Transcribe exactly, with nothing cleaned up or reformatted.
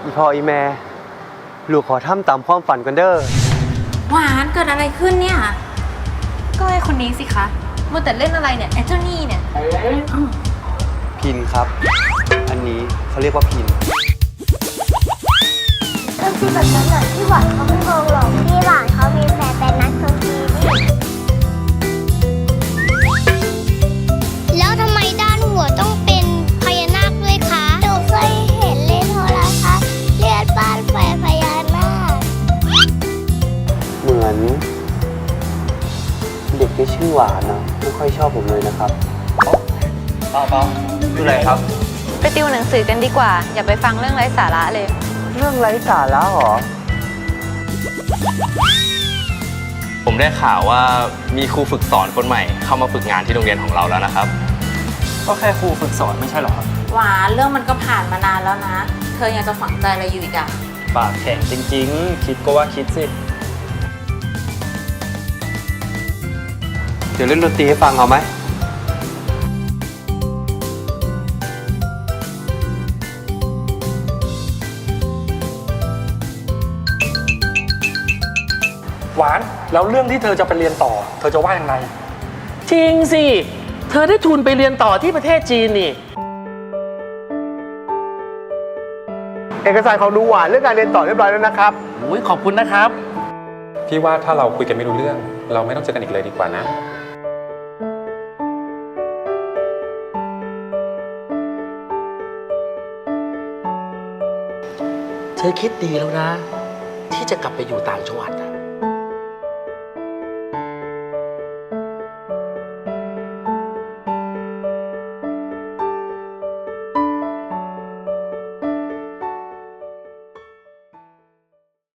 อีพ่ออีแม่ลูกขอทำตามความฝันกันเด้อหวานเกิดอะไรขึ้นเนี่ยก็ไอคนนี้สิคะมัวแต่เล่นอะไรเนี่ยไอเจ้านี่เนี่ยพินครับอันนี้เขาเรียกว่าพินก็คือแบบนั้นแหละที่หวานเขาไม่มองหรอกพี่หวานเขามีแฟนเป็นนักดนตรีนี่แล้วทำไมด้านหัวต้องเป็นพญานาคด้วยคะหนูเคยเห็นเล่นโทรทัศน์เลือดบ้านไฟพญานาคเหมือนเด็กที่ชื่อหวานนะไม่ค่อยชอบผมเลยนะครับเปล่าเปล่าดูไหนครับไปติวหนังสือกันดีกว่าอย่าไปฟังเรื่องไร้สาระเลยเรื่องไร้สาระหรอผมได้ข่าวว่ามีครูฝึกสอนคนใหม่เข้ามาฝึกงานที่โรงเรียนของเราแล้วนะครับก็แค่ครูฝึกสอนไม่ใช่หรอครับหวานเรื่องมันก็ผ่านมานานแล้วนะเธอยังจะฝังใจอะไรอยู่อีกอะปากแข็งจริงๆคิดก็ว่าคิดสิเดี๋ยวเล่นดนตรีให้ฟังเอาไหมหวานแล้วเรื่องที่เธอจะไปเรียนต่อเธอจะว่ายังไงจริงสิเธอได้ทุนไปเรียนต่อที่ประเทศจีนนี่เอกสารของดูหวานเรื่องการเรียนต่อเรียบร้อยแล้วนะครับโอ้ยขอบคุณนะครับพี่ว่าถ้าเราคุยกันไม่รู้เรื่องเราไม่ต้องเจอกันอีกเลยดีกว่านะเธอคิดดีแล้วนะที่จะกลับไปอยู่ต่างจังหวัด